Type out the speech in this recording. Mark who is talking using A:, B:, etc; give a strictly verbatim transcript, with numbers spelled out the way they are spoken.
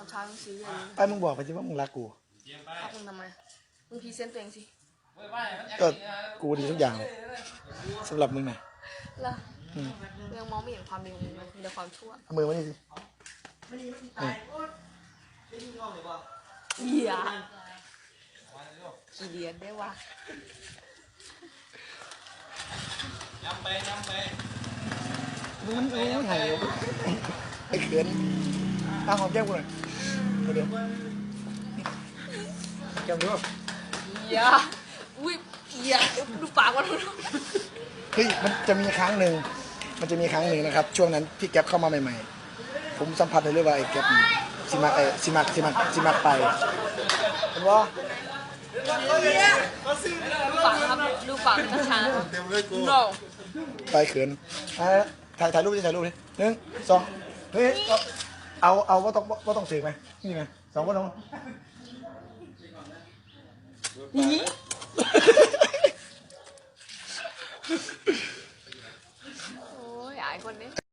A: เช้าต้องซื้อเลย
B: ไอ้มึงบอกไปสิว่ามึงรักกู
A: รักมึงทำไมมึงพรีเซนต์ตัวเองสิ
B: ก็กูดีทุกอย่างสำหรับมึงไง
A: ล่ะยังมองไม่เห็นความดีของมึงเลยมีแต่ความชั่ว
B: เอามือมานี่สิ
A: เหี้ยกี่เดือนได้วะ
C: ย้ำไปย้ำไป
B: มึงมันมึงไม่ถ่ายเลยไอ้เขินอ่ะหอมแก้มกูหน่อยเดี๋ยวแก้มดูป่ะ
A: เหี้ยอุ้ยเหี้ยดูปากมัน
B: เฮ้ยมันจะมีครั้งหนึ่งมันจะมีครั้งหนึ่งนะครับช่วงนั้นที่แก๊ปเข้ามาใหม่ๆผมสัมผัสได้เลยว่าไอ้แก๊ปซิมักไอ้ซิมักซิมักซิมักไปเห็นว่า
A: ดูปากนะครับดูปากช้าๆ no
B: ไปเขินอ่ะถ่ายถ่ายรูปดิถ่ายรูปดิหนึ่งสองเฮ้ยเอาเอาว่าต้องว่าต้องถือไหมนี่ไหมสองว่าต้อง
A: นี่โอ้ยอายคนนี้